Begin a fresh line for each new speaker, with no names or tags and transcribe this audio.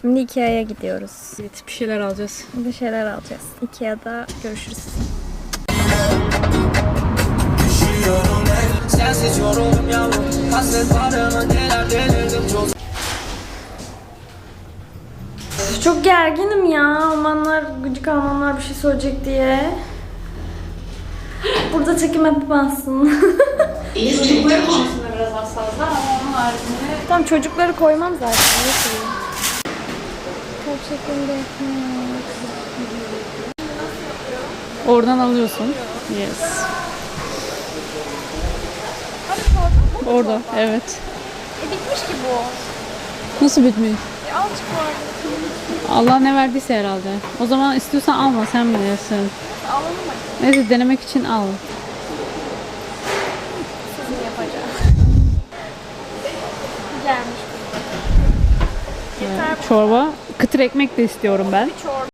Şimdi Ikea'ya gidiyoruz.
Evet, bir şeyler alacağız.
Bir şeyler alacağız. Ikea'da görüşürüz. Çok gerginim ya. Almanlar, gıcık Almanlar bir şey söyleyecek diye. Burada çekim yapamazsın.
Çocukları konusunda biraz hassaslar ama onun haricinde...
Tamam, çocukları koymam zaten. Ne koyayım? Kalp şeklinde ekmek.
Oradan alıyorsun. Yes. Orada, evet.
Bitmiş ki bu.
Nasıl bitmiyor?
Azıcık var.
Allah ne verdiyse herhalde. O zaman istiyorsan alma, sen bilirsin.
Alalım mı?
Neyse, denemek için al.
Sizin yapacağım. Gelmiş.
Çorba, kıtır ekmek de istiyorum ben.
Çorba.